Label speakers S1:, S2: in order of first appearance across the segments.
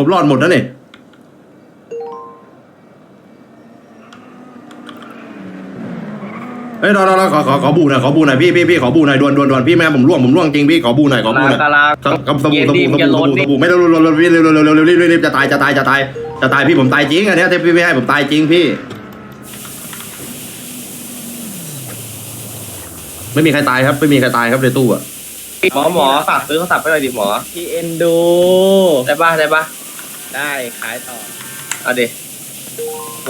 S1: ผมรอดหมดแล้วนี่เฮ้ยรอขอบูหน่อยพี่ขอบูหน่อยด่วนพี่แม่ผมร่วงจริงพี่ขอบูหน่อยกับสบู่ไม่ต้องรีบจะตายพี่ผมตายจริงอันนี้พี่ไม่ให้ผมตายจริงพี่ไม่มีใครตายครับในตู้อะ
S2: หมอฝากซื้อเขาสับไปหน่อยดิหมอ
S3: พี่เอ็นดู
S2: ได้ปะ
S3: ได้ขายต่อ
S2: เอาดิโห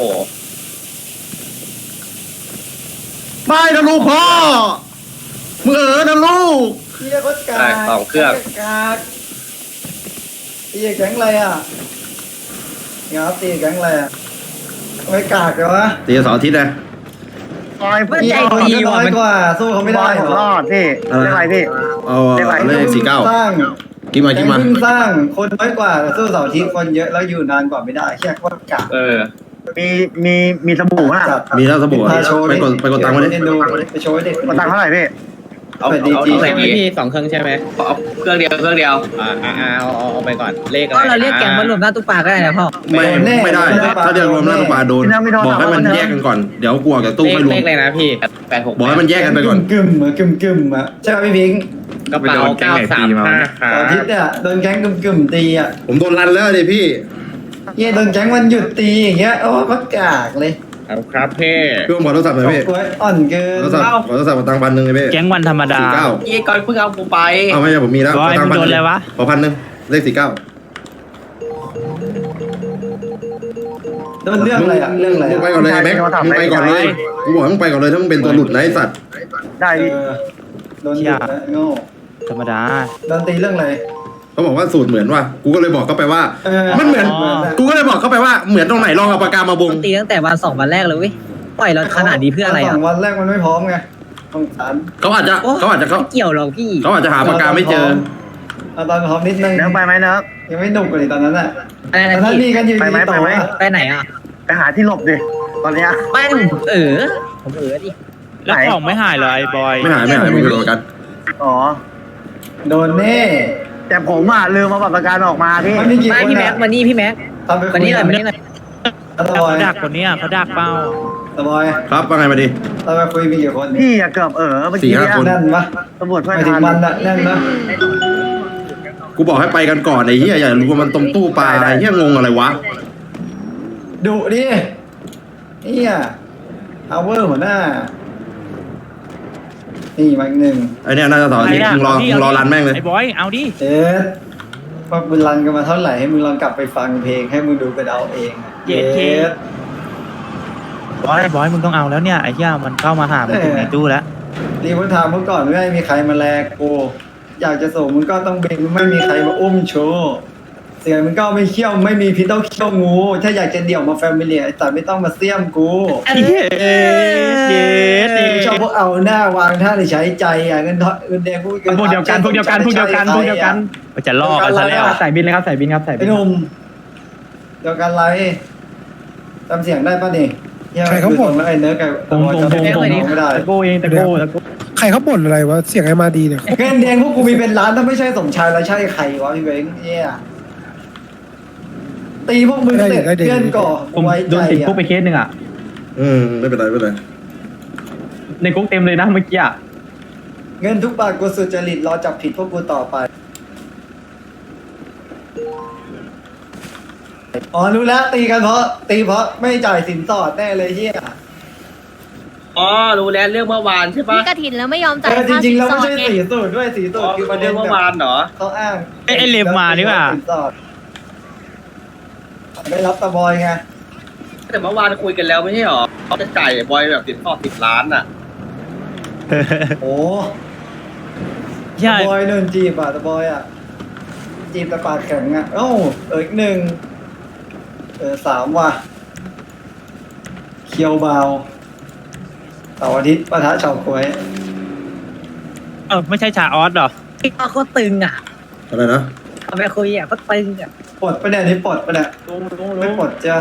S1: ไม่นะลูกพ่อมึงนะลูก
S4: เฮียก็กา
S2: ได้สองเครื่อง
S4: กากตีแก๊งอะไรอ่ะเงาตีแก๊งอะไรอ่ะไม่กากเลยวะ
S1: ตี2 อาทิตย์นะ
S4: เฮียคนก็น้อยกว่าสู้เขาไม่ได้หรอ
S5: รอดพี่เรียกอะไรพี่
S1: เอาเลข49
S4: สร้าง
S1: กินมา
S4: เพิ่งสร้างคนน้อยกว่าสู้เสาร์อาทิตย์คนเยอะแล้วอยู่นานกว่าไม่ได้แค่ว่ากาก
S5: มีสบู่ป่ะ
S1: มีแล้วสบู่ไปกดตังค์มาดิ
S4: ไปโชว์เด็ก
S5: มาตังค์เท่าไหร่พี่
S2: เอา
S3: ใช่
S2: ใส่
S3: ไหม
S2: ดี
S3: พี่2 เครื่องใช่ไหม
S2: เอาเครื่องเดียว
S3: เอาไปก่อนเลขอะไร
S6: ก็เราเรียกแก๊งมารวมหน้าตู้ปลาก็ได้นะพ่อ
S1: ไม่ได้ถ้าเรียกรวมหน้าตู้ปลาโดนบอกให้มันแยกกันก่อนเดี๋ยวกลัวกับตู้ไม่รวม
S3: เลขอะไรนะพี่
S1: บอกให้มันแยกกันไปก่อน
S4: กึ่มอ่ะใช่ไหมพี่พิงค์
S3: กระเป๋า935ครั
S4: เสาร์อาทิต
S3: บ
S4: ย์เนี่ยโดนแก๊งกึ่มตีอ่ะ
S1: ผมโดนรันแล้วดิพี่
S4: เฮียโดนแก๊งวันหยุดตีอย่างเงี้ยโอ้ก็กากเลย
S3: เอาครับพี่
S1: พี่ผมขอโทรศัพท์หน่อยพี่
S4: กล้วยอ่อนเกิน
S1: ขอโทรศัพท์ตังค์1,000เลยพี่
S7: แก๊งวันธรรมดา
S1: 49
S2: ยี่ก่อนเพิ่งเอากูไป
S1: เอาไม่ใช่ผมมีแล้ว
S7: ร้อยมึงโดนอะไรวะ
S1: ขอ1,000เลข49
S4: โดนเรื่องอะไรอ่ะเรื่องอะไร
S1: มึงไปก่อนเลยแม็กมึงไปก่อนเลยกูบอกมึงไปก่อนเลยถ้ามึงเป็นตัวหลุดนะไอ้สัตว์
S5: ได้พี่
S4: โดนหยุดนะโง่
S7: ธรรมดา
S4: โดนตีเรื่องอะไร
S1: เขาบอกว่าสูตรเหมือนว่ะกูก็เลยบอกเขาไปว่า มันเหมือน
S7: อ๋อ
S1: กูก็เลยบอกเขาไปว่าเหมือนตรงไหนลองเอาปากกามาวง
S6: ตีตั้งแต่วัน2 วันแรกเลยเว้ยปล่อยเราขนาดนี้เพื่ออะไร
S4: ส
S6: อ่ะ
S4: องวันแรกมันไม่พร้อมไงต้องสาร
S1: เขาอาจจะ
S6: ไม่เกี่ยวหรอกพี่
S1: เขาอาจจะหาปากกาไม่เจอ
S4: เอาตอนพร้อมนิดนึง
S5: เนิร์กไปไหมเนิร์ก
S4: ยังไม่หนุกเลยตอนนั้นอ่ะ
S6: อะไร
S4: ต
S6: นะ
S4: อนนั้นมี
S6: พี่
S4: กันอยู่
S5: ไปไหม
S4: ต่อ
S5: ไปไหม
S6: ไปไหนอ่ะ
S5: ไปหาที่หลบดิตอนเนี้ย
S6: ไม่ผมผมดิ
S7: แล้วของไม่หายเหรอไอ้บอย
S1: ไม่หายมึงโดนกัน
S5: อ๋อ
S4: โดนแน่
S5: แต่ผมลืมมาบัตรประกันออกมาพี่
S4: มันมีกี่
S6: ไม่
S4: คน
S6: พี่แม็กมานี่พี่แม็ก
S4: ทำไป
S6: มานี่หน่อยมานี่หน่อย
S4: ตะบอย
S7: เขาดักคนเนี้ยเขาดักเป้า
S4: ตะบอย
S1: ครับว่าไงมาดิ
S4: ตะบอยคุยมีกี่คน
S5: พี่อะเกือบเมื่อกี้
S1: 4-5 คน
S5: เนี่ย
S4: แน่นปะ
S5: ตำรวจช่วย
S4: ไปถึ
S5: ทั
S4: ง
S5: น
S4: มันอะแน่นนะ
S1: กูบอกให้ไปกันก่อนไอ้เหี้ยอย่ารู้ว่ามันตรงตู้ปลาไอ้เหี้ยงงอะไรวะ
S4: ดุดิเนี่ยเอาเวอร์หัวหน้านี่มาอีกหนึ่ง
S1: ไอ้เนี่ยน่าจะต่อที่มึงรอรันแม่งเลย
S7: ไอ้บอยเอาดิ
S4: เอ๊ะว่ามึงรันกันมาเท่าไหร่ให้มึงลองกลับไปฟังเพลงให้มึงดูกันเอาเองอะ
S7: เย็ดเค บอยมึงต้องเอาแล้วเนี่ยไอ้เหี้ยมันเข้ามาหามึงถึงในตู้แล้ว
S4: รีบถามเมื่อก่อนไม่มีใครมาแลกกูอยากจะส่งมึงก็ต้องเบ่งไม่มีใครมาอุ้มโชว์เสียงมึงก็ไม่เขี้ยวไม่มีพิษต้องเขี้ยวงู ถ้าอยากจะเดี่ยวมาแฟมิเลียแต่ไม่ต้องมาเสี่ยมกู
S7: เย็ด
S4: กูชอบพวกเอาหน้าวางท่าในใช้ใจอ่ะเงินแดงพวก
S5: พวกเดียวกัน
S7: มันจะลอกกันซะแล้ว
S5: ใส่บินเลยครับใส่บินครับใส่บิ
S4: ไอ้
S5: น
S4: หนุ่มเดียวกันไรจำเสียงได้ป่ะนี่
S8: ใครเขาบ่น
S4: แล้วไอ้เนื้อไก่ไม่ได้
S5: โก้เองตะโก้
S8: ใครเขาบ่นอะไรวะเสียงไอ้มาดีเนี่ย
S4: เงินแดงพวกกูมีเป็นล้านถ้าไม่ใช่สมชายแล้วใช่ใครวะพี่เบ้งเนี่ยตีพวกมึงเสร็จเพื่อนก่อไว้ใจ
S5: โดนติด
S4: อ่ะ
S5: คุกไปเคสหนึ่งอ่ะ
S1: ไม่เป็นไร
S5: ในคุกเต็มเลยนะเมื่อกี้อ่ะ
S4: เงินทุกบาทกูสุจริตรอจับผิดพวกกูต่อไปอ๋อรู้แล้วตีกันเพราะไม่จ่ายสินสอดแน่เลยเฮีย
S2: อ๋อรู้แล้วเรื่องเมื่อวานใช่ปะ
S9: มีกระถินแล้วไม่ยอมจ่าย
S4: จ
S9: ค่า
S4: ริ
S9: สิ
S4: งๆ
S9: น
S4: แล้ว
S9: สอ
S4: ไม่
S9: ด
S4: ใช่
S9: ไง
S4: สีสูตรด้วยสีสูตรคือประเด็
S2: เรื่อน งเมื่อวานเหรอ
S4: เขาอ้าง
S7: ไอ้เหล็บมานี่ว่ะ
S4: สินสอดไม่รับตะบอยไง
S2: แต่เมื่อวานคุยกันแล้วไม่ใช่หรอเขาจะจ่ายบอยแบบติดต่อ10 ล้านอ่ะ
S4: โอ้
S7: ใช่
S4: ตะบอยโดนจีบอ่ะตะบอยอ่ะจีบแต่ปากแข็งอ่ะเอ้าอีกหนึ่ง3ว่ะเคียวเบาเสาร์อาทิตย์ปะทะชาวกล้วย
S7: ไม่ใช่ชาออสเหรอ
S6: พี่ก็โคตรตึงอ่ะ
S1: อะไรนะ
S6: เอาไปคุยอ่ะก็ตึงอ่ะ
S4: ปลดปะเนี่ยนี่ปลดปะเนี่ยไม่ปลดจ้ะ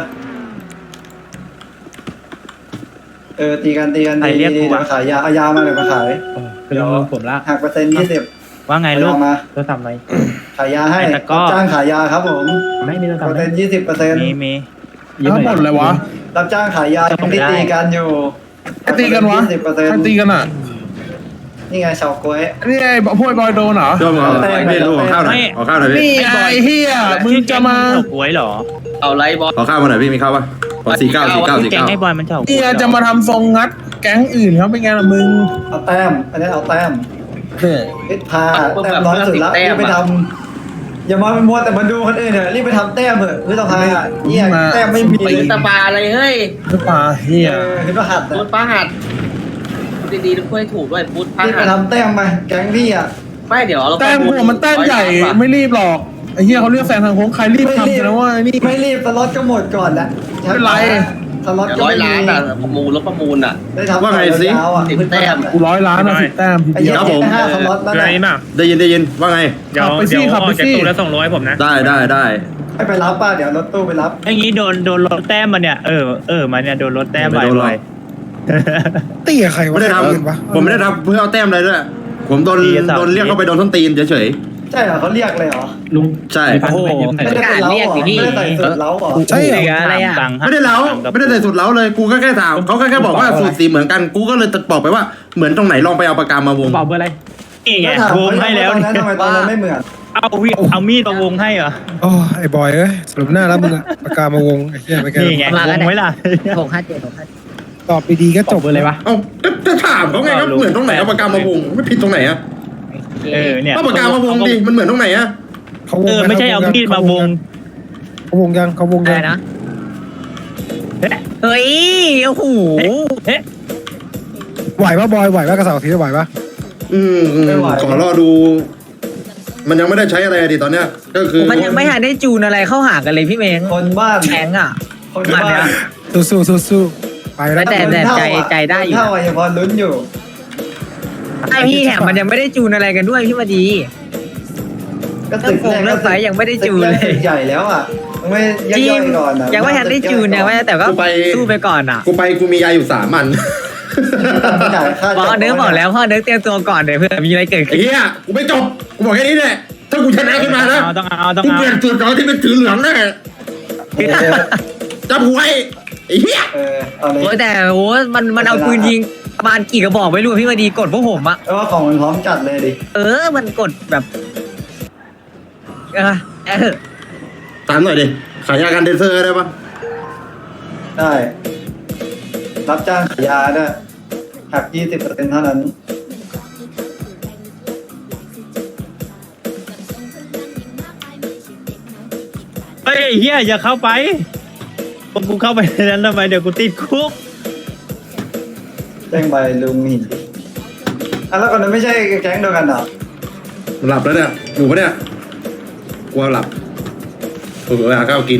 S4: ตีกัน
S7: ใครเรียกกู
S4: เดี๋ยว
S7: วะ
S4: มาขายยาเอายามาเลยมาขาย
S5: คือผมละ
S4: หักเปอร์เซ็นต์20
S7: ว่าไงลูก
S4: เอามา
S5: โทรศัพท์ไหม
S4: ขายยาให้
S7: ไอ้ตะกร้อ
S4: รับจ้างขายยาครับผม
S5: ไม่มีโทรศัพ
S4: เปอ
S5: ท์
S4: ร์เซ็นต์20%
S7: มี
S8: ทั้งหมดเลยวะ
S4: รับจ้างขายยาที่ตีกันอยู่
S8: ใครตีกันวะ
S4: 20%
S8: ใครตีกันอ่ะ
S4: นี่ไงชาวกล้วย
S8: นี่ไอ้พวกไอ้บอยโดนเหรอ
S1: ช่วงเอาพี่ลูกขอข้าวหน่อยขอข้าวหน่อยพี่
S8: นี่ไอ้เฮียมึงจะมา
S7: เฉาก๊วยเหรอ
S2: เอาไรบอส
S1: ขอข้าวมาหน่อยพี่มีข้าวปะขอ49
S7: แกงไอ้บอยมันเฉาก๊วย
S8: เนี่ยจะมาทำทรงงัดแก๊งอื่นเขาเป็นไงล่ะมึง
S4: เอาแต้ม อันนี้เอาแต้ม
S8: เนี่ย
S4: รีบพาแต้มน้อยสุดละรีบไปทำอย่ามาเป็นมัวแต่มาดูคนอื่นเถอะรีบไปทำแต้มเถอะพี่ต้องพาเนี่ยแต้มไม่มี
S2: ไปตะบาอะไรเฮ้ย
S8: หรือเปล่าเฮีย
S4: คือประหัด
S2: พูดป้าหัดดีๆด้วยถูกด้วยพูดป้า
S4: รีบ
S2: หั
S4: ไป
S2: ด
S4: ทำแต้มมาแก๊งพี่อ่ะ
S2: ไม่เดี๋ยวเรา
S8: แต้มหัวมันแต้มใหญ่ไม่รีบหรอกไอ้เฮียเขาเรียกแซงทางโค้งใครรีบทำกันนะว่านี่
S4: ไม่รีบสล็อตก็หมดก่อนละ
S8: ไม่เป็นไร
S4: สล็อตก็
S2: ร้อย
S4: ไม่มี
S2: ล้านอ่ะประมูลรถประมูลอ่ะ
S4: ได้ทำยาวๆอ่ะ
S2: 10แต้ม
S8: กู100 ล้านนะ10 แต้มที
S4: ไอ้
S8: เดี
S4: เหี้
S8: ย
S4: ยว ได้5สล็อตแล้วนะ
S1: ได้ยินว่าไง
S8: ขับไปสิขับไปสิ
S1: ได้
S4: ให้ไปรับป่ะเดี๋ยวรถตู้ไปรับ
S7: ไอ้งี้โดนรถแต้มมาเนี่ยมาเนี่ยโดนรถแต้ม
S1: ไม่โดนหรอก
S7: บ่อย
S8: ตีกับใครวะ
S1: ไม่ได้ท
S8: ใครอื่นวะ
S1: ำผมไม่ได้ทำเพื่อเอาแต้มอะไรด้วยผมโดนเรียกเข้าไปโดนส้นตีนเฉย
S4: ใช่เหรอเขาเรียกเลยเหรอ
S5: ลุง
S1: ๆใช่
S7: โอ้โห
S4: ไม่ได้เป็นเล้าเหรอไม่ได้ใส่สูตรเล้าเหรอ
S8: ใช่เหรอ
S6: เหลืออะไรอ่ะ
S1: ไม่ได้เล้าไม่ได้ใส่สูตรเล้าเลยกูก็แค่ถามเขาแค่บอกว่าสูตรสีเหมือนกันกูก็เลยบอกไปว่าเหมือนตรงไหนลองไปเอาปากกามาวง
S5: เปล่าเบอร์อะไร
S7: นี่ไง
S4: ถาม
S7: วงให้แล้ว
S4: ตอนนั้นทำไมตอนนั้นไม่เหมือน
S7: เอามีดมาวงให้เหรอ
S8: โอ้ไอ้บอยเอ้ยสรุปหน้าแล้วมึงอะปากกามาวงไอ้เหี้ยไปแก
S7: นี่ไงวงไว้ล่ะ
S6: 657
S8: ตอบดีๆก็จบ
S5: เบอร์อะไรวะ
S1: เอ้าจะถามเขาไงครับเหมือนตรงไหนเอาปากกามาวงไม่ผิดตรงไหนอะ
S7: เนี่ย
S1: เอาปากกามาวงดิมันเหมือนตรงไหนอะ
S8: เขาวง
S7: ไม่ใช่เอามีดมาวง
S8: เขาวงยังเขาวง
S6: อะไร
S8: ยัง
S6: นะ เฮ้ย โอ้โห
S8: ไหวปะบอยไหวปะกระเสาทีไหวปะ
S1: ขอรอดู มันยังไม่ได้ใช้อะไรดิตอนเนี้ยก็คือ
S6: มันยังไม่ทันได้จูนอะไรเข้าหากันเลยพี่เม้ง
S4: คนบ้าน
S6: แข็งอ่ะ
S4: คนบ้าน
S8: สู้ไปแล้ว
S6: แต่ใจได้อยู่
S4: เท่ายังพอลุ้นอยู่
S6: ไอพี่แถมมันยังไม่ได้จูนอะไรกันด้วยพี่มาดี
S4: ก็ตึกแรก
S6: เลิกไฟยังไม่ได้จูนเลย
S4: ตึกใหญ่แล้วอ่ะไม่
S6: จริ
S4: ย่อง ยๆก่อนนะ
S6: ยังไม่ทันได้จูนยังไม่แต่ก็สู้ไปก่อนอ่ะ
S1: กูมียาอยู่3 อัน
S4: จ่ายค่า
S6: พ่อเนื้อบอกแล้วพ่อเนื้อเตรียมตัวก่อนเดี๋ยวเพื่อมีอะไรเกิด
S1: ไอ้
S6: ขึ้น
S1: เหี้ยกูไม่จบกูบอกแค่นี้แหละถ้ากูชนะขึ้นมานะ
S7: ต้องเอา
S1: กูเปลี่ยนสูตรก่อนที่เป็นถือเหลืองแน่จับหัวไอ้เหี้ย
S4: เอาเลย
S6: โอ้แต่โอ้มันเอาปืนยิงประมาณกี่กระบอกไม่รู้พี่มาดีกดพวกผมอ่ะ
S4: แล้วว่าของมันพร้อมจัดเลยดิ
S6: มันกดแบบ
S1: ตามหน่อยดิขายยากันเดนเซอร์ได้ปะ
S4: ได้ รับจ้างขายยาด้วยหัก 20% เท่านั้น
S7: เฮ้ยเฮียอย่าเข้าไปกูเข้าไปในนั้นทำไมเดี๋ยวกูติดคุก
S4: แจ้งใบลุงหินแล้วคนนั้นไม่ใช่แก๊งเดียวกันเหรอ
S1: หลับแล้วเนี่ยอยู่ปะเนี่ยกลัวหลับกูไปหาข้าวกิน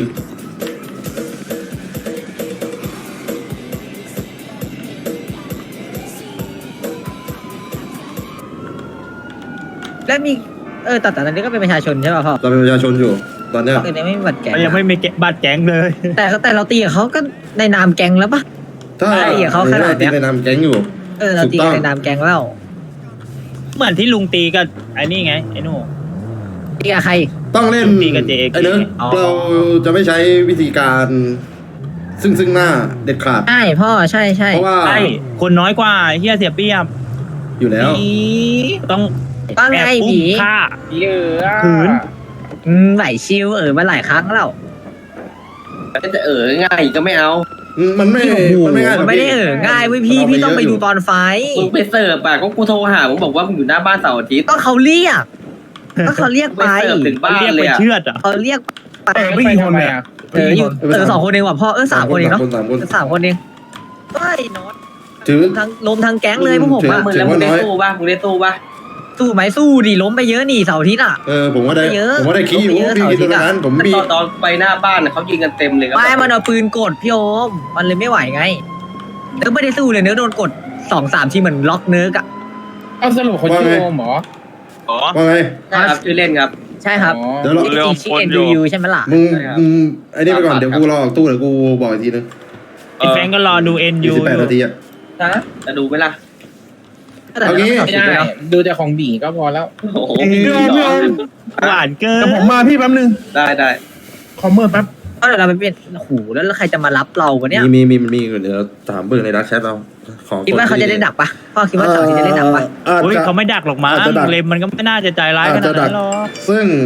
S6: แล้วมีแต่ตอนนี้ก็เป็นประชาชนใช่ป่ะพ่อ
S1: เราเป็นประชาชนอยู่ตอนเนี้ย
S6: ตอนนี้ไม่มีบัตรแก๊ง
S7: ยังไม่มีบัตรแก๊งเลย
S6: แต่เราตีกับเขาก็ในนามแก๊งแล้วปะ
S1: ถ้า
S6: ไอ้เหี้ยเขาขนาดเนี้ย
S1: ในนามแก๊งอยู่
S6: เราตีกันในนามแก๊งแล้ว
S7: เหมือนที่ลุงตีกับไอ้นี่ไงไอ้นู่
S6: ตีกับใคร
S1: ต้องเล่น
S7: ตีกับ JAK
S1: ไอ้เนื้อ
S6: อ๋อ
S1: เราจะไม่ใช้วิธีการซึ่งหน้าเด็ดขาด
S6: ใช่พ่อใช่
S1: เพราะว่า
S7: ใช่คนน้อยกว่าเฮียเสียเปรียบ
S1: อยู่แล้ว
S7: ต้อง
S6: ว่าไง
S7: แอบอุ้
S6: ผี
S7: มฆ่า
S2: เยอะ
S7: ขืน
S6: ไหลชิวมาหลายครั้งแล้ว
S2: จะง่ายก็ไม่เอา
S1: มันไม่ง่ายหรอก
S6: ไม่ได้ง่ายเว้ยพี่ต้องไปดูตอนไฟ
S2: มึงไปเสิร์ฟอ่ะก็กูโทรหามึงบอกว่ามึงอยู่หน้าบ้านเสาร์อาทิตย์
S6: ก็เขาเรียกไป
S2: ไปเสิร์ฟถึงบ้าน
S7: เรียก
S2: เล
S7: ไป
S2: ยอ่ะ
S7: เชือดอ่ะ
S6: เขาเรียกไป
S8: ไม่กี่คนเนี่ย
S6: อยู่2 คนเองว่ะพ่อ3 คนเองเนาะ
S1: 3 คน
S6: 3 คนเองเฮ้ยน็อต
S1: ถือ
S6: ล้มทั้งแก๊งเลยพวกผมอะ
S2: มึงแล้วมึงได้ตู้ป่ะมึงได้ตู้ป่ะ
S6: สู้ไหมสู้ดิล้มไปเยอะนี่เสาร์อาทิตย์อ่ะ
S1: ผมว่าได้
S6: เยอะ
S1: ผมว่าได้ขี้อยู่
S6: เยอะ
S1: พี่คิดตรงนั้นผมมี
S2: ตอนไปหน้าบ้านเขายิงกันเต็มเลย
S6: ไม่มันเอาปืนกดพี่โอมมันเลยไม่ไหวไงเนื้อไม่ได้สู้เลยเนื้อโดนกด2-3 ทีเหมือนล็อกเนื้อกะ
S3: เอาสรุปคนชื่อโอมเหรอ
S1: ว่าไง
S2: ครับชื่อเล่นครับ
S6: ใช่ครับ
S1: เดี๋ยวเรา
S6: ชื่อ NDU ใช่ไหมล่ะ
S1: มึงไอ้นี่ไปก่อนเดี๋ยวกูรอออกตู้เดี๋ยวกูบอกอีกทีนึง
S7: ไอ้แฟนก็รอดู NU
S1: 28 นาทีอ่ะ
S2: นะจะดูไหมล่ะ
S6: แต่
S1: เอางี้
S6: เรา
S3: ไม่ได้ดูแต่ของบีก็พอแล้ว
S2: โอ้โห
S8: พี่โอมพี่โอม
S7: หวานเกิน
S8: แต่ผมมาพี่แป๊บนึง
S2: ได้
S8: คอมเมอร์แป๊บ
S6: ก็เดี๋ยวเราไปเปลี่ยนโอ้โหแล้วใครจะมารับเราวะเนี่ย
S1: มีเดี๋ยวถามเบิ่งในดักแชทเราของ
S6: คิดว่าเขาจะได้ดักปะพ่อคิดว่าเสาร์อาที่จะได้ดักปะ
S7: เฮ้ยเขาไม่ดักหรอกมั้ง
S1: อาจจะดัก
S7: เลมมันก็ไม่น่าจะใจร้ายขนาดนั้นหรอก
S1: ซึ่ง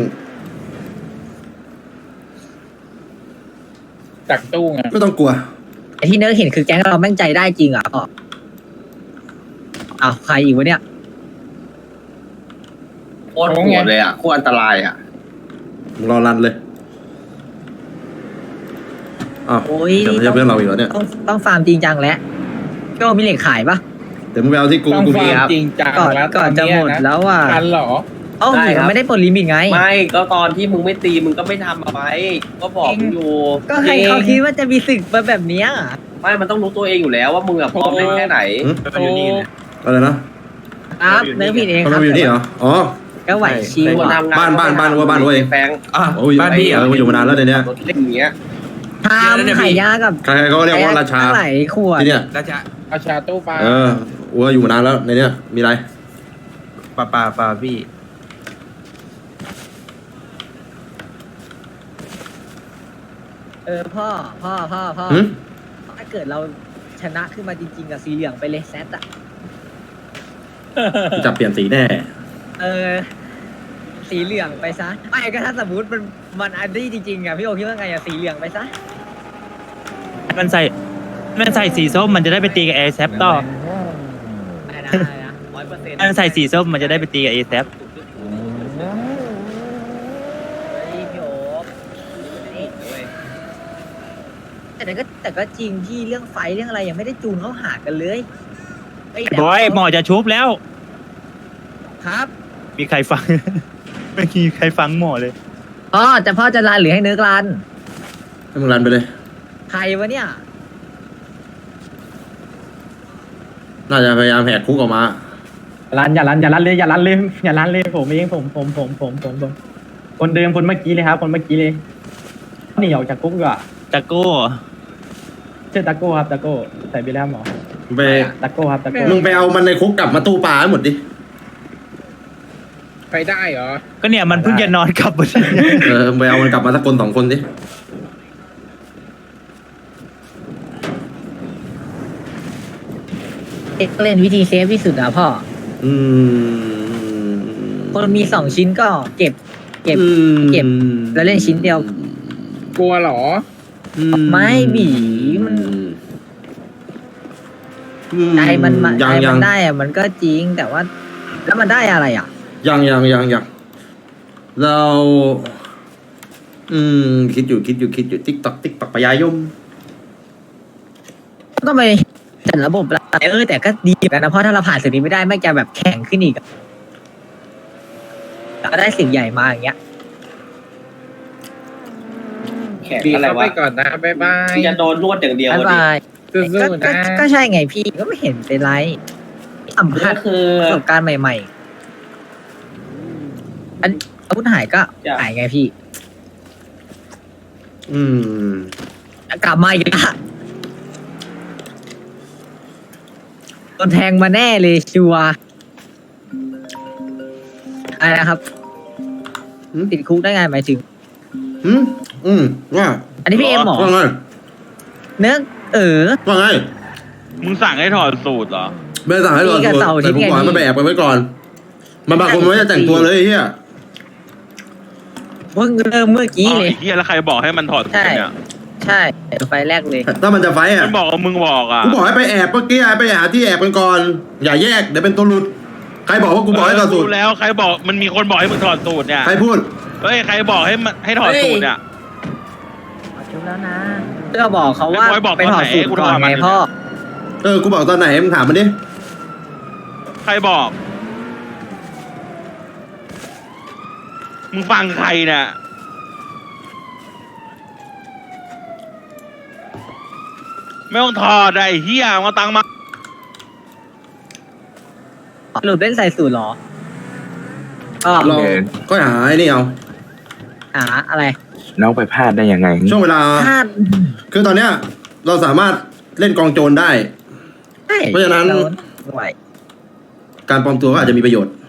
S3: จักตู้ไง
S1: ไม่ต้องกลัว
S6: ไอที่เนื้อเห็นคือแก๊งเราแม่งใจได้จริงอ่ะพ่ออ้าวใครอีกวะเนี่ย
S2: โคตรโหดเลยอ่ะโคตรอันตรายอ่ะ
S1: มึงรอรันเลยอ้าว
S6: โอ้ย
S1: เดี๋ยวไม่ใช่เพื่อนเราอีกแล้วเนี่ย
S6: ต้องฟาร์มจริงจังแล้วพี่โอมีเหล็กขายปะ
S1: เดี๋ยวมึงไปเอาที่กู
S3: ต้อง
S1: กู
S3: ฟั
S1: มี
S3: ง
S1: ครับ
S3: จริงจัง
S6: ก่อน
S3: แล้ว
S6: ก่อนจะหมดแล้วอ่ะ
S3: ทันเหรอ
S6: เอ้ามันไม่ได้ปลดลิมิตไง
S2: ไม่ก็ตอนที่มึงไม่ตีมึงก็ไม่ทำเอาไว้ก็บอกมึงอยู่
S6: ก็ใครเขาคิดว่าจะมีศึกมาแบบเนี้ย
S2: ไม่มันต้องรู้ตัวเองอยู่แล้วว่ามึงแบบพร้อมเล่นแค่ไหน
S3: โอ้
S1: อะไรนะครับ
S6: เนื้อผิดเอง
S1: เขา
S6: ครับ
S1: อยู่นี่เหรออ๋อ
S6: ก็ไหวชิว
S2: คน
S6: อะ
S2: ทำงาน
S1: บ้านเว้ย
S2: แฟง
S1: โอ้ยบ้านพี่อยู่มานานแล้วเนี่ย
S2: รถเล่นอย่างเงี้ย
S6: ทำไข่ยากับ
S1: ใครๆก็เรียกว่าราชา
S6: ไหลขวด
S1: ที่เนี่ย
S3: เอาชาตู้ปลา
S1: อัวอยู่มานานแล้วในเนี้ยมีอะไร
S7: ป่าพี่
S6: พ่อ
S1: หืม
S6: ถ้าเกิดเราชนะขึ้นมาจริงๆกับสีเหลืองไปเลยแซดอะ
S1: จะเปลี่ยนสีแน่
S6: สีเหลืองไปซะไม่ก็ถ้าสมมติมันอันดี้จริงๆอะพี่โอคิดว่าไงอะสีเหลืองไปซะ
S7: มันใส่สีส้มมันจะได้ไปตีกับแอร์แซปต่อ
S6: ได้นะ100%
S7: มันใส่สีส้มมันจะได้ไปตีกับแอร์แซป
S6: พี่โอแต่ก็จริงที่เรื่องไฟเรื่องอะไรยังไม่ได้จูนเข้าหากันเลยแต่
S7: บอยหมอจะชุบแล้ว
S6: ครับ
S7: มีใครฟัง ไม่มีใครฟังหมอเลย
S6: พ่อจะรันหรือให้เนื้อกรัน
S1: ให้มึงรันไปเลย
S6: ใครวะเนี่ย
S1: น่าจะพยายามแหกคุกออกมา
S5: อย่าลันเลยผมเองผมคนเดิมคนเมื่อกี้เลยครับคนเมื่อกี้เลยหนีออกจากคุกดีกว่า
S7: จักโก้
S5: ชื่อตะโก้ครับตะโก้ใส่ไปแล้วหมอ
S1: ไป
S5: ตะโก้ครับตะโก้
S1: มึงไปเอามันในคุกกลับมาตู้ปลาให้หมดดิ
S3: ไปได้เหรอ
S7: ก็เนี่ยมันเพิ่งจะนอนกลับมา
S1: มึงไปเอามันกลับมาสักคนสองคนดิ
S6: เอ็กเล่นวิธีเซฟที่สุดอะพ่อ
S1: อืม
S6: คนมี2 ชิ้นก็เก็บ
S1: อืม
S6: เก็บแล้วเล่นชิ้นเดียว
S3: กลัวเหรอ
S6: ไม่บีมัน ใจมันใจ
S1: ยัง
S6: มันได้อะมันก็จริงแต่ว่า แล้วมันได้อะไรอะ
S1: ยังเรา คิดอยู่ติ๊กตอกปะยายม
S6: ก็ไปจัดระบบละแต่ก็ดีเหมือนกันนะเพราะถ้าเราผ่านสิ่งนี้ไม่ได้แม่งจะแบบแข็งขึ้นอีกอะแล้วก็ได้สิ่งใหญ่มาอย่างเงี้ย
S2: แข่ง
S3: บี
S2: อะไร
S3: เข้าไป
S2: วะ
S3: ก่อนนะ บ๊ายบาย
S2: จะโดนนวดอย่างเดียว
S6: บ๊าย
S2: ดิ
S6: บาย
S3: สู้
S6: ก็
S3: ๆนะ
S6: ก็ใช่ไงพี่ก็ไม่เห็นเป็นไรสัมผั
S2: ก็
S6: ส
S2: คือ
S6: ประสบการณ์ใหม่ๆอันอาวุธหายก็
S2: จ้ะ
S6: หายไงพี่
S1: อืม
S6: กลับมาอีกแล้วโดนแทงมาแน่เลยชัวร์อะไรนะครับ
S1: หืม
S6: ติดคุกได้ไงหมายถึง
S1: ว่า
S6: อันนี้พี่เอ็มหมอ
S1: ว่าไง
S6: เนื้อ
S1: ว่าไง
S7: มึงสั่งให้ถอดสูตรเหรอ
S1: ไม่ได้สั่งให้รอ
S6: นี่กับเสาร์อาทิ
S1: แต่
S6: ตย์
S1: ผมบอกให้
S6: ไง
S1: มันไปแอบไปไว้ก่อน มันบางคนมันไม่ได้แต่งตัวเลยไอ้เฮีย
S6: เพิ่งเริ่มเมื่อกี้เลย
S7: เฮียแล้วใครบอกให้มันถอดสูตรเนี่ย
S6: ใช่ไฟแรกเลย
S1: ถ้ามันจะไฟอ่ะ
S7: มันบอกว่ามึงบอกอ่ะ
S1: กูบอกให้ไปแอบเมื่อกี้ไปหาที่แอบกันก่อน อย่าแยกเดี๋ยวเป็นตัวหลุด ใครบอกว่ากูบอกให้ถอดสูตร
S7: รู้แล้วใครบอกมันมีคนบอกให้มึงถอดสูตรเนี่ย
S1: ใครพูด
S7: เฮ้ยใครบอกให้มันให้ถอดสูตรเนี่ย
S6: ชุบแล้วนะเพื่อบอกเขาว่า
S7: ไอ้บอยบอก
S6: ไปถอดสูตรก่อน
S7: ตอนไหน
S6: ไง
S7: กูถอดมัน
S6: พ่อ
S1: กูบอกตอนไหนมึงถามมันดิ
S7: ใครบอก มึงฟังใครเนี่ย ไม่ต้องถอดไอ้เฮียมาตังมา
S6: หลุดเล่นใส่สูตรเหรอก็
S1: เราก็หาไอ้นี่เอา
S6: หาอะไร
S9: น้องไปพลาดได้ยังไง
S1: ช่วงเวลา
S6: พลาด
S1: คือตอนเนี้ย เราสามารถเล่นกองโจรได้
S6: ใช่
S1: เพราะฉะนั้น
S6: ไหว
S1: การปลอมตัวก็อาจจะมีประโยชน์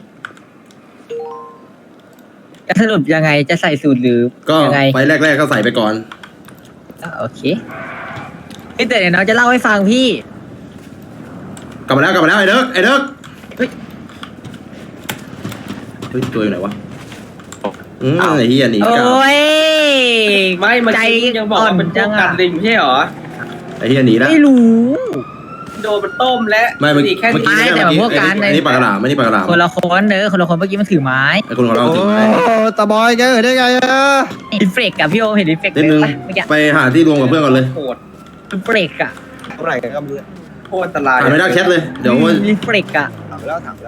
S6: จะสรุปยังไงจะใส่สูตรหรือ
S1: ก็
S6: ยังไง
S1: ไปแรกๆก็ใส่ไปก่อน
S6: โอเคเอ้ยแต่เดี๋ยวน้องจะเล่าให้ฟังพี่
S1: กลับมาแล้วไอ้เด็ก
S6: เฮ้ย
S1: เฮ้ยตัวอยู่ไหนวะไอ้เหี้ยหนี
S6: โอ้
S1: กลับ
S6: ย
S2: ไม่มัน
S6: ใจ
S2: ยังบอกว่าเป็นพวกกันลิงไม่ใช่เหรอ
S1: ไอ้เหี้ยหนีแล้ว
S6: ไม่รู้
S2: โดนมันต้มและ
S1: ไม่เมื่อ
S2: หนี
S1: กี้
S2: แค่
S1: เมื่อ
S2: นี้
S1: กี้
S6: แต่ว่าพวกการ
S1: อันนี้ปากกระดาษไม่นี่ปากกระดาษ
S6: คนละคนคนละคนเมื่อกี้มันถือไม้
S1: ไอ้คนของเราถือไม้
S7: ตาบอยแกเออได้ไงอะ
S6: รีเฟกกับพี่โอเห็นรีเฟก
S1: นิดนึง
S6: ปะเมื่อกี้
S1: ไปหาที่รวมกับเพื่อนก่อนเลย
S2: โหด
S6: รีเฟกอะ
S7: เท่าไหร่กันก็ไม่รู้
S2: โคตรอันตราย
S1: หาไม่ได้แคทเลยเดี๋ยวว่า
S6: รีเฟกอะ
S7: ถามไปแล้วถามไปแล้ว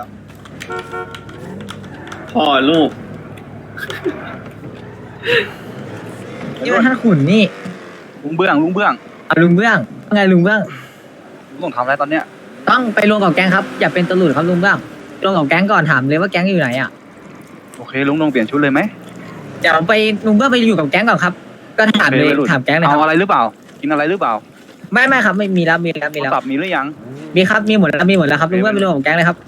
S2: พ่อลูก
S6: นี่มันท่านขุนนี่
S7: ลุงเบื้อง
S6: เอาลุงเบื้องว่าไงลุงเบื้อง
S7: ลุงต้องทำอะไรตอนเนี้ย
S6: ต้องไปรวมกับแก๊งครับอย่าเป็นตำรวจครับลุงเบื้องรวมกับแก๊งก่อนถามเลยว่าแก๊งอยู่ไหนอะ
S7: โอเคลุงลงเปลี่ยนชุดเลยไหม
S6: เดี๋ยวไปลุงเบื้องไปอยู่กับแก๊งก่อนครับ ก็ถามเลยถามแก๊งเลยค
S7: เอา
S6: รับ
S7: อะไรหรือเปล่า กินอะไรหรือเปล่า
S6: ไม่ครับไม่มีแล้วมีแล้ว
S7: โทรศัพท์มีหรือยัง
S6: มีครับมีหมดแล้วครับลุงเบื้องไปรวมกับแก๊งเลยครับ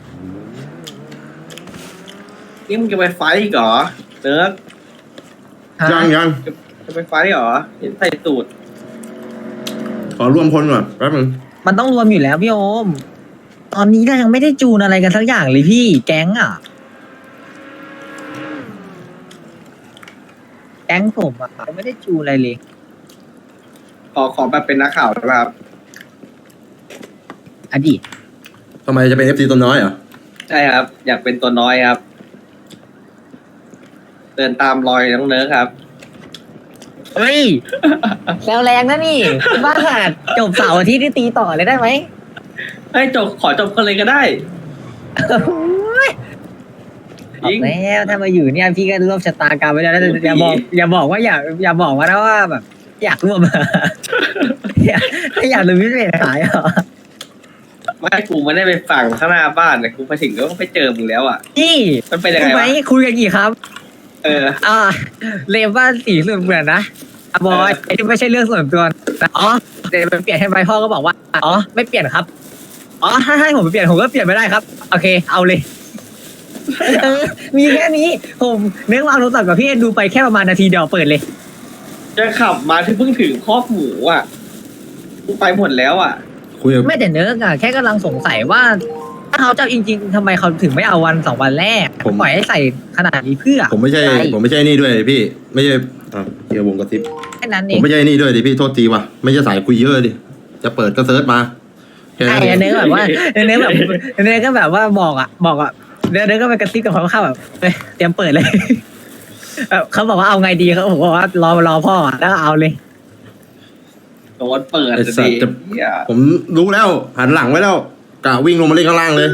S2: นี่มึงจะไปไฟท์อีกเหรอเนิร์ก
S1: ยัง
S2: จะไปไฟท์เหรอเห็นใส่สูตร
S1: ขอรวมพลก่อนแป๊บนึง
S6: มันต้องรวมอยู่แล้วพี่โอม ตอนนี้เรายังไม่ได้จูนอะไรกันสักอย่างเลยพี่แก๊งอ่ะ แก๊งผมอ่ะยังไม่ได้จูนอะไรเลย
S2: ขอแบบเป็นนักข่าวได้ป่ะครับ
S6: อดีต
S1: ทำไมจะเป็น FC ตัวน้อยเหรอ
S2: ใช่ครับ อยากเป็นตัวน้อยครับ เดินตามรอยน้องเนิร์กครับ
S6: เฮ้ย แซวแรงนะนี่บ้าจบเสาร์อาทิตย์ที่ตีต่อเลยได้ไหม
S2: ให้จบขอจบกันเลยก็ได้
S6: ออกแล้วถ้ามาอยู่เนี่ยพี่ก็ร่วมชะตากรรมไว้แล้วนะแต่อย่าบอกว่าอย่าบอกว่านะว่าแบบ อยากร่วม ถ้าอยากรู้พี่เป็นขายเหรอ
S2: ไม่กูไม่ได้ไปฝั่งข้างหน้าบ้านแต่กูไปถึงแล้วก็ไปเจอมึงแล้วอ่ะ
S6: พี่
S2: มันเป็นยังไง
S6: รู้ไหม
S2: วะ
S6: คุยกันกี่ครับ
S2: เออ
S6: เลมว่าสีส่วนเหมือนนะบอยไอ้ที่ไม่ใช่เรื่องส่วนตัวนะอ๋อเดี๋ยวมันเปลี่ยนให้ไปพ่อก็บอกว่าอ๋อไม่เปลี่ยนครับอ๋อถ้าให้ผมไปเปลี่ยนผมก็เปลี่ยนไม่ได้ครับโอเคเอาเลย มีแค่นี้ผมเนื้อวางโทรศัพท์กับพี่เอ็นดูไปแค่ประมาณนาทีเดียวเปิดเลย
S2: จะขับมาที่เพิ่งถึงคอกหมูอ่ะกูไปหมดแล้วอ่ะ
S1: คุยกับ
S6: ไม่แต่เนื้ออะแค่กำลังสงสัยว่าถ้าเขาจะเอาจริงๆทำไมเขาถึงไม่เอาวัน2 วันแรกปล่อยให้ใส่ขนาดนี้เพื่อ
S1: ผมไม่ใช่นี่ด้วยพี่ไม่ใช่เกี่ยววงกระซิบ
S6: แค่นั้นเอ
S1: ผม
S6: ง
S1: ไม่ใช่นี่ด้วยดิพี่โทษทีว่ะไม่ใช่สายคุยเยอะดิจะเปิดก็เซิร์ชมาแค่
S6: ไอ้
S1: นั้นเอง
S6: เนื้อแบบว่าเนื้อแบบเนื้อก็แบบว่าบอกเนื้อก็ไปกระซิบกับเขาเข้าแบบเตรียมเปิดเลย เขาบอกว่าเอาไงดีเขาบอกว่ารอพ่อแล้วก็เอาเลย
S2: โดนเปิด
S1: ไอ้
S2: เลย
S1: สัตว์จะ
S2: เหี้ย
S1: ผมรู้แล้วหันหลังไว้แล้วกะวิ่งลงมาเล่นข้างล่างเลย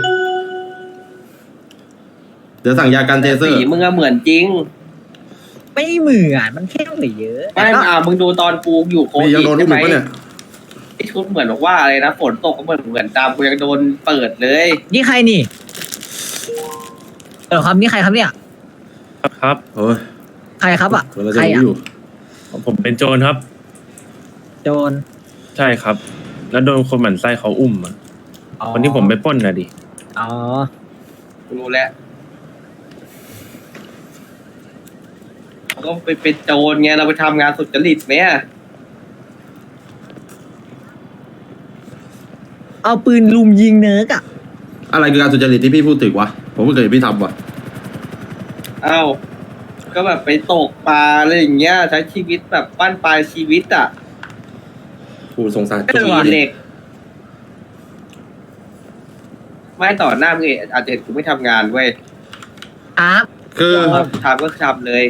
S1: เดี๋ยวสั่งยากันเทเซอ
S2: สี
S1: ร์
S2: มึงอะเหมือนจริง
S6: ไม่เหมือนมันแค่เหลือเยอะ
S2: ไม่มึงดูตอนกูอยู่โค
S1: พี่ยัง
S2: วิด
S1: โดนลู
S2: ใช่
S1: กห
S2: ไหม
S1: มูปะเนี่ย
S2: ไอ้ชุดเหมือนบอกว่าอะไรนะฝนตกก็เหมือนตามกูยังโดนเปิดเลย
S6: นี่ใครนี่ครับนี่ใครครับเนี่ย
S10: ครับ
S1: โอ้ย
S6: ใครครับอ่ะ
S1: เรา
S6: ใค
S1: จะ
S6: ร
S1: รู้
S6: อ่ะ
S1: อยู่
S10: ผมเป็นโจรครับ
S6: โจร
S10: ใช่ครับ แล้วโดนคนหมั่นไส้เขาอุ้มอะคนที่ผมไปปล้นน่ะดิ
S6: อ๋อ
S2: กูรู้แล้วเราก็ไปเป็นโจรไงเราไปทำงานสุจริตไหมอะ
S6: เอาปืนลุมยิงเนิร์กอ่ะ
S1: อะไรคือการสุจริตที่พี่พูดถึงวะผมไม่เคยเห็นพี่ทำวะ
S2: เอ้าก็แบบไปตกปลาอะไรอย่างเงี้ยใช้ชีวิตแบบปั้นปลายชีวิตอ่ะ
S1: ผู้สงสาร
S2: ขี่เหล็ก ไม่ต่อหน้ามึงอาจจะเห็นกูไม่ทำงานเว้ย
S6: ครับ
S1: คือ
S2: ทำก็ทำเลย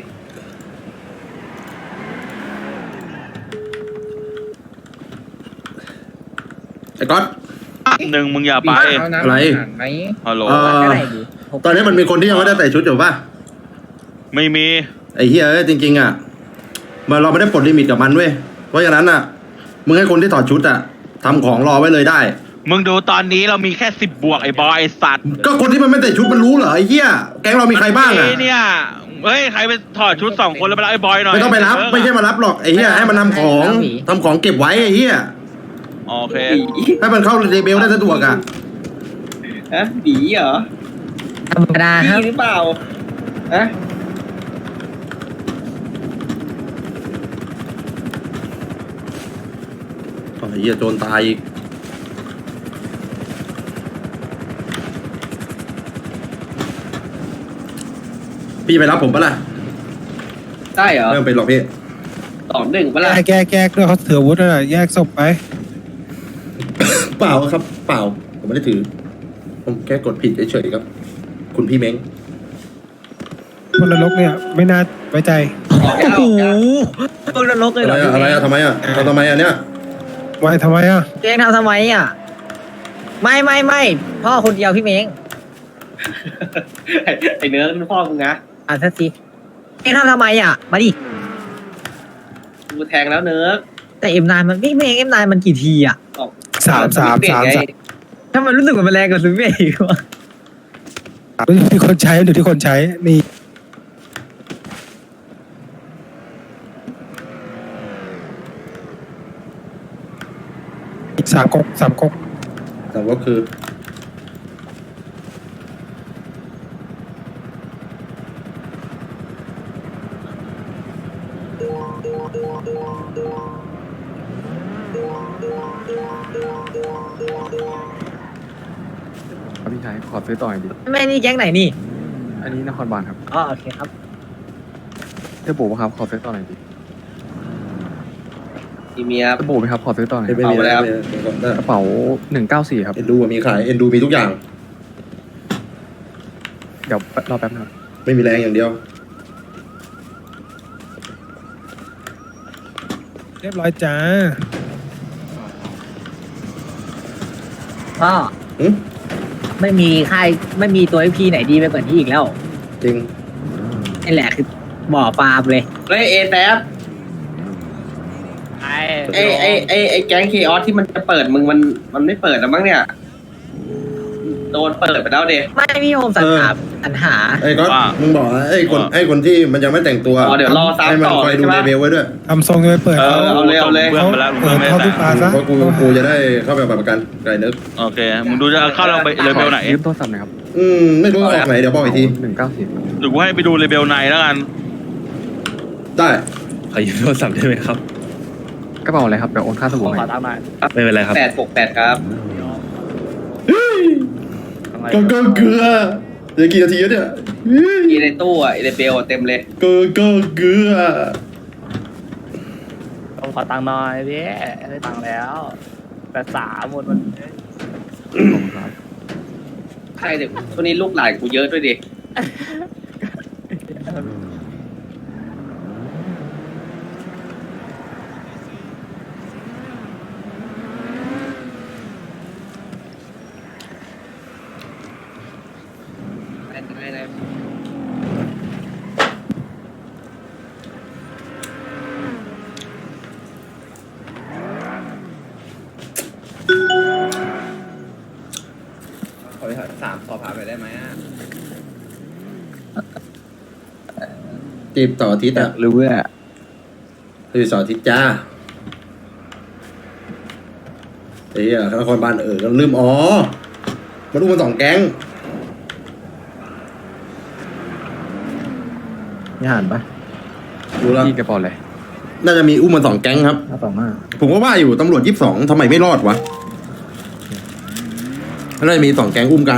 S1: ไอ้ก๊อต
S3: หนึ่งมึงอย่าไป
S1: อะไร
S3: ไหม
S7: ฮัลโหล
S6: ก็ได้ดิ
S1: ตอนนี้มันมีคนที่ยังไม่ได้ใส่ชุดอยู่ป่ะ
S7: ไม่มี
S1: ไอ้เฮียเอ้ยจริงๆอ่ะเราไม่ได้ปลดลิมิตกับมันเว้ยเพราะฉะนั้นอ่ะมึงให้คนที่ถอดชุดอ่ะทำของรอไว้เลยได้
S3: มึงดูตอนนี้เรามีแค่10 บวกไอ้บอยไอ้สัตว์
S1: ก็คนที่มันไม่ใส่ชุดมันรู้เหรอไอ้เหี้ยแก๊งเรามีใครบ้างอ่ะ
S3: เนี่ยเฮ้ยใครไปถอดชุด2 คนแล้วไปรับไอ้บอยหน่อย
S1: ไม่ต้องไปรับไม่ใช่มารับหรอกไอ้เหี้ยให้มันทำของเก็บไว้ไอ้เหี้ย
S3: โอเค
S1: ให้มันเข้าเรเบลได้สะดวกอ่ะ
S2: ฮะหนีเหรอ
S6: ธรรมดาครับ
S2: พี่หรือเปล่าฮะ
S1: ไอ้เหี้ยโจรตายอีกพี่ไปรับผมปะล่ะ
S2: ได้เหรอ
S1: ไม่ต้องเป็นหรอกพี่
S2: 2-1ปะล่ะ
S8: แก้ด้วยเขาถืออาวุธน่ะแยกศพไป
S1: เปล่าครับ เปล่าผมไม่ได้ถือ ผมแค่กดผิดเฉยๆครับ คุณพี่เม้ง
S8: คนนรกเนี่ยไม่น่าไว้ใจ
S2: ออกยังออกยัง
S6: พวกนรกเลย
S1: อะ
S6: เหร
S1: ไร
S6: อ
S1: อะอะไรอะทำไมอะทำไมอะเนี่ย
S8: ไว้ทำไมอ่ะ
S6: พี่เม้งทำไมอ่ะไม่พ่อคนเดียวพี่เม้ง
S2: ไอเนื้อเป็นพ่อมึงนะ
S6: สักทีเม้งทำไมอ่ะมาดิ
S2: กูแทงแล้วเนื้อ
S6: แต่M9มันพี่เม้งM9มันกี่ทีอ่ะ
S2: ออก
S8: สาม
S6: ถ้ามันรู้สึกว่ามันแรงกว่าซูเปอร์อีกวะ
S8: อยู่ที่คนใช้อยู่ที่คนใช้นี่สามก๊ก
S1: แต่ว่าคือ
S9: พี่ชายขอซื้อต่อหน่อยดิ
S6: แม่นี่แก๊งไหนนี่
S9: อันนี้นครบาลครับ
S6: อ๋อโอเคครับ
S9: เจ้าบูครับขอซื้อต่อหน่อยดิ
S2: อีเมีย
S9: เจ้าบูไหมครับขอซื้อต่อหน่อย
S1: ไม่มี
S2: เอาไปแล้ว
S9: กระเป๋า194ครับ
S1: เอ็นดูมีขาย เอ็นดูมีทุกอย่าง
S9: เดี๋ยวรอแป๊บนึงครับ
S1: ไม่มีแรงอย่างเดียว
S8: เรียบร้อยจ้า
S6: พ่อ
S1: หึ
S6: ไม่มีค่ายไม่มีตัวพี่ไหนดีไปกว่านี้อีกแล้ว
S1: จริง
S6: นี่แหละคือบ่อปลาเลย
S2: เฮ้ยเอแซฟไอแก๊งเคออสที่มันจะเปิดมึงมันไม่เปิดแล้วมั้งเนี่ย โดนเปิดไปแล้วเด
S6: ไม่พี่โฮมสัญหาสัญหา
S1: ไอ้ก็มึงบอกว่าไอ้คนที่มันยังไม่แต่งตัว
S2: อ๋อเดี๋ยวรอซ้ำ
S1: ให้มัน
S2: ต่อ
S1: คอยดู
S2: ใช่ไหม
S1: เลเวลไว้ด้วย
S8: ทำทรงจะไปเปิด
S2: เอาเลยเอาเลย
S3: เพื่อนไปแล้ว
S8: เปิ
S3: เพื่อน
S8: ด
S3: ไม่
S8: เข้า
S3: ได้
S8: ทุกปลาซะ
S1: เพราะกูจะได้เข้าไปประกันไก่นึก
S3: โอเค มึงดูจะเข้าเราไปเลเวลไหน
S9: ยืมโทรศัพท์หน่อยครับ
S1: ไม่รู้ว่าออกไหนเดี๋ยวบอกอีกที
S9: 194
S3: หรือกูให้ไปดูเลเวลในแล้วกัน
S1: ได้
S10: ขอยืมโทรศัพท์ได้ไหมครับ
S9: กระเป๋าอะไรครับเดี๋ยวโอนค่าสบู่ให้
S10: ไม่เป็นไรครับ
S2: 868ครับ
S1: ก็เกลือเดี๋ยวกี่นาทีแล้วเนี่ย
S2: อีในตู้อ่ะอีในเบลเต็มเลย
S1: ก็เกลือ
S5: ผมขอตังค์หน่อยพี่ได้ตังค์แล้ว83หมดมัน
S2: ใช่เดี๋ยวช่วงนี้ลูกหลานกูเยอะด้วยดิ
S1: ขอไป3สอบผ่านไปได้ไหมจีบต่ออาทิตย์อ่ะ
S9: หรือว่า
S1: คือสออาทิตย์จ้าไอ้เหี้ยนครบาลก็ลืมมาดูมัน2แก๊ง
S7: นี่หันปะ
S1: ดูแล้ว
S9: พี่กระเป๋าอะไร
S1: น่าจะมีอุ้มมา2แก๊งครับ
S7: 525
S1: ผมก็ว่าอยู่ตำรวจ22ทำไมไม่รอดวะน่าจะมี2แก๊งอุ้มกัน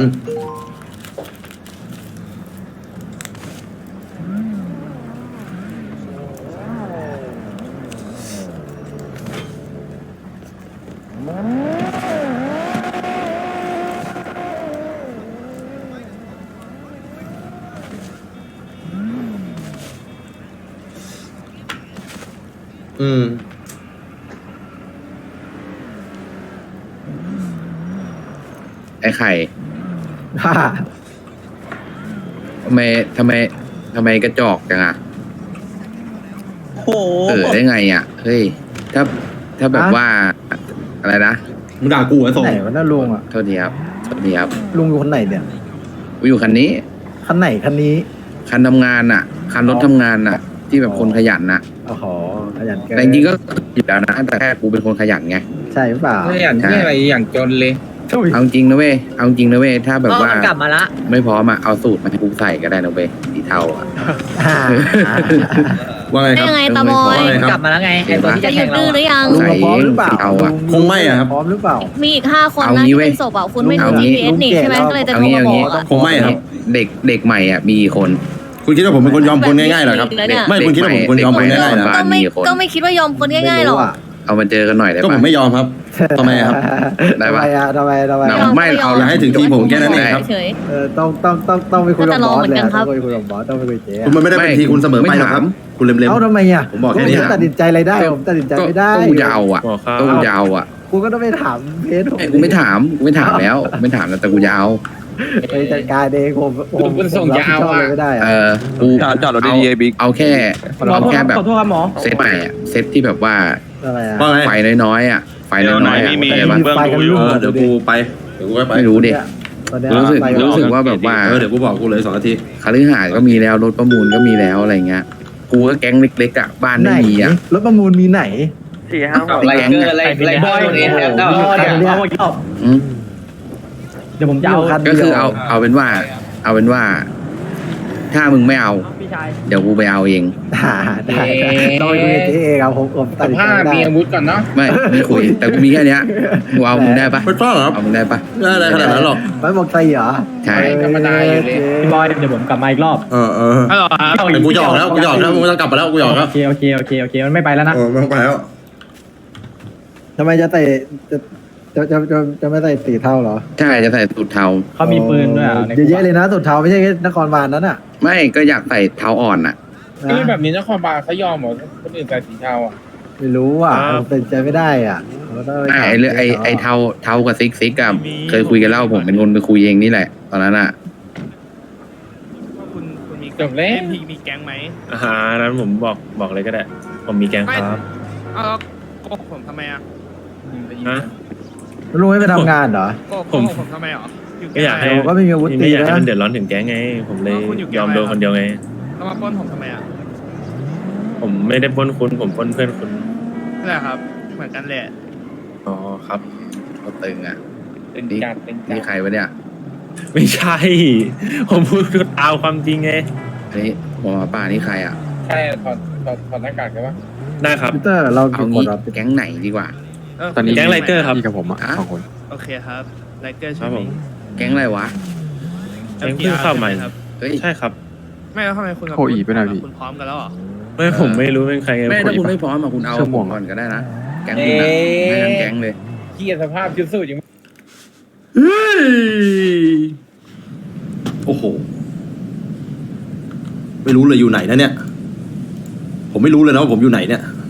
S11: ไอ้ไข่
S7: ฮ่า
S11: ทำไมกระจอกจังอ่ะ
S6: โอ้
S11: ได้ไงอ่ะ เฮ้ย ถ้าแบบว่า อะไรนะ
S1: มึงด่ากูไอ้ส่ง
S7: ไหนวะน่าลุงอ่ะ
S11: โทษทีครับโทษทีครับ
S7: ลุงอยู่คนไหนเนี่ย
S11: กูอยู่คันนี้
S7: คันไหนคันนี้
S11: คันทำงานอ่ะ คันรถทำงานอ่ะ ที่แบบคนขยันน่ะ
S7: โอ้โหขยันเกิน
S11: แต่จริงๆก็อยู่แล้วนะ แต่แค่กูเป็นคนขยันไง
S7: ใช่หรือเปล่า
S11: อย่างที่อะไร
S10: อย่างจนเลย
S11: เอาจริงนะเว้ยเอาจริงนะเว้ยถ้าแบบ
S6: ก็
S11: ว่า
S6: มันกลับมาละ
S11: ไม่พร้อมอ่ะเอาสูตรมาให้กูใส่ก็ได้นะเว้ยสีเทาอ่ะ
S1: ว่าไงครับ
S12: ยังไงตาบอย
S1: ว่าไงค
S6: กลั
S1: รั
S6: บบ มาแล้วไงไอ้ตัวที่
S12: จะ
S6: จะ
S12: หยุ
S6: แข่
S12: ด
S6: งเรา
S12: ดื้อหรือยัง
S11: ใส่เองสีเทาอ่ะ
S1: คงไม่อะครับ
S4: พร้อมหรือเปล่า
S12: มีอีก5 คน
S11: เอา
S12: นะ
S11: งี้
S12: ที่
S11: เว้ย
S12: เป็นศพอ่ะคุณไม่
S11: เอา
S12: ดู
S11: งี้
S12: GPS นี่ใช่ไหมก็เลยจะ
S11: เอา
S12: โทร
S11: งี้
S12: มา
S11: เอา
S12: บ
S11: งี้
S12: อกอะ
S1: คงไม่ครับ
S11: เด็กใหม่อ่ะมีกี่คน
S1: คุณคิดว่าผมเป็นคนยอมคนง่ายๆเหรอครับ
S12: แล้วเนี่ย
S1: ไม่คุณคิดว่าผมเป็นคนยอมคนง่ายๆเหรอ
S11: บ้านมีกี่คน
S12: ก็ไม่คิดว่ายอมคนง่ายๆหรอก
S11: เอามาเจอกันหน่อยได้
S1: ก็ผ
S11: ปะ
S1: มไม่ยอมครับทำไมครับ
S11: ได้ปะ
S4: ทำไม
S11: ไม่เอา
S1: แล้วให้ถึงทีผมแค่นั้นเองครับ
S12: เฉย
S4: ต้องไปคุยกับบอสเลย
S12: ก็จะลองเหมือนกันครับ
S4: ต้องไปคุยกับบอสต้องไปคุยเจ๊
S1: คุณมันไม่ได้เป็นทีคุณเสมอไปหรอกครับ คุณเล็ม
S4: เอ้าทำไมอ่ะ
S1: ผมบอกแค่นี้
S4: ผมตัดสินใจอะไรได้ผมตัดสินใจไม่ได้
S11: ก็กูจะเอาอ่ะ
S10: บอกครับ
S11: ก็กูจะเอาอ่ะ
S4: กูก็ต้องไปถามเพจผม
S11: กูไม่ถามแล้วไม่ถามแล้วแต่กูจะเอา
S4: ไปจัดการเองผมส่งยาวไม่ได้
S11: เอ
S4: อะ
S11: อกูจอดรถดีๆบิ๊กเอาแค่
S5: หมอ
S11: เอาแค่แบบ
S5: ขอโทษครับหมอ
S11: เซตใหม่อ่ะเซตที่แบบว่า
S4: อะไรอ่ะ
S1: ๆว่าไง
S11: ไฟน้อยๆอ่ะไฟน้อยๆอ่ะ
S3: มี
S11: เข้าใจปะ
S3: เบื้องดูอยู่
S1: เดี๋ยวกูไปเดี๋ยวกูไป
S11: ไม่รู้ดิ
S4: ตอนเนี้ย
S11: รู้สึกว่าแบบว่า
S1: เดี๋ยวกูบอกกูเลย2 นาที
S11: คฤหาสน์ก็มีแล้วรถประมูลก็มีแล้วอะไรเงี้ยกูก็แก๊งเล็กๆอ่ะบ้าน
S4: ไหน
S11: ไม่มีอ่ะ
S4: รถประมูลมีไหน
S2: ไลเกอร์ไลบอยเอ็นแอล
S11: อืม
S5: เดี๋ยวผมจะเอา
S11: ก็คือเอาเป็นว่า ถ้ามึงไม่เอา
S5: พี่ชาย
S11: เดี๋ยวกูไปเอาเอง
S4: ได้ต้องไปคุยกับเจ๊เองครับผมตัดสินใจไม่ได้
S11: ไม่คุย แต่กูมีแค่เนี้ยกูเอามึงได้ปะ
S1: ไม่ต้องหรอกครับ
S11: เอามึงได้ปะ
S1: ไม่ได้ขนาดนั้นหรอก
S4: ไม่บอกใครเหรอ
S11: ใช่
S4: ธรรมดาอยู่เลย
S5: พี่บอยเดี๋ยวผมกลับมาอีกรอบ
S1: เออ
S3: ฮัลโหลครับ
S1: แต่กูหยอกแล้วมึงต้องกลับไปแล้วกูหยอกแล้ว
S5: โอเคมันไม่ไปแล้วนะ
S1: ไม่ต้องไปแล้ว
S4: ทำไมจะใส่จะไม่ใส่สีเทาเหรอ
S11: ใช่จะใส่สูทเทา
S5: เขามีปืนด้วยอ่ะ
S4: เยอะๆเลยนะสุดเทาไม่ใช่แค่นครบาลนั้นอ่ะ
S11: ไม่ก็อยากใส่เท้าอ่อนอ่ะ
S8: นี่แบบนี้นครบาลเขายอมเหรอคนอื่นใส่สีเทาอ่ะ
S4: ไม่รู้อ่ะผมตัดสินใจไม่ได้อ่ะผมก็ต้องปถาม
S11: ไอ้เรื่องไอ้เท้ากับซิกกับเคยคุยกันแล้วผมเป็นคนไปคุยเองนี่แหละ ตอนนั้นอ่ะ
S3: คุณมี
S8: จบแล้ว
S3: มีแก๊งไหม
S10: นั้นผมบอกเลยก็ได้ ผมมีแกงครับ
S3: เอาโกหกผมทำไมอ่ะ
S10: นะ
S4: ลุงไม่ไปทำงานเหรอ
S3: โกหกผมทำไมหรอ
S10: ก็อยากให้
S4: ผมก็ไม่มีอาวุธตี
S10: ไม่อยากให้
S4: นะ
S10: มันเดือดร้อนถึงแก๊งไง ผมเลยยอมโดนคนเดียวไง
S3: แล้วมาปล้นผมทำไมอ่ะ
S10: ผมไม่ได้ปล้นคุณผมปล้นเพื่อนคุณ
S3: นั่นแหละครับ เหมือนกันแหละ
S10: อ๋อครับ
S11: ก็ตึงอ่ะ
S8: เป็น
S11: นี่
S8: การเป็นกา
S11: นี่
S8: ร
S11: ใครวะเนี่ย
S10: ไม่ใช่ ผมพูดเอาความจริงไง
S11: อันนี้หมอป่านี่ใครอ่ะ
S8: ใช่ถอดหน้ากากใช่ปะ
S10: ได้ครับ
S4: พีเตอร์เรา
S11: เอา
S4: กี่ค
S11: งี้
S4: นครับ
S11: แก๊งไหนดีกว่า
S9: ตอนนี้
S10: แก๊งไลเกอร์ครับ
S9: มีกับผมอ่ะ
S11: อ่ะ
S9: 2 คน
S3: โอเคครับไลเกอร์
S10: ค
S3: ใช่
S10: รับ
S3: ไห
S10: ผม ม
S11: แก๊งอะไรวะ
S10: แก๊งเพิ่งเข้ามา
S3: ครับ
S11: เฮ้ย
S10: ใช่ครับ
S3: ไม่แล้วทำไมคุณกับ
S9: โคอีไปไหนพี่
S3: คุณพร้อมกันแล้วเหรอ
S10: ไม่ผมไม่รู้เป็นใครไง
S11: ไม่
S10: ผ
S11: ถ้าคุณไม่พร้อมอะคุณเอา
S9: เสื้อม่วง
S11: ก่อนก็ได้นะ แก๊งคุณอะไม่ทั้งแก๊งเลย
S8: เกียสภาพชุดสูทยัง
S1: เฮ้ยโอ้โหไม่รู้เลยอยู่ไหนนะเนี่ย ผมไม่รู้เลยนะว่าผมอยู่ไหนเนี่ย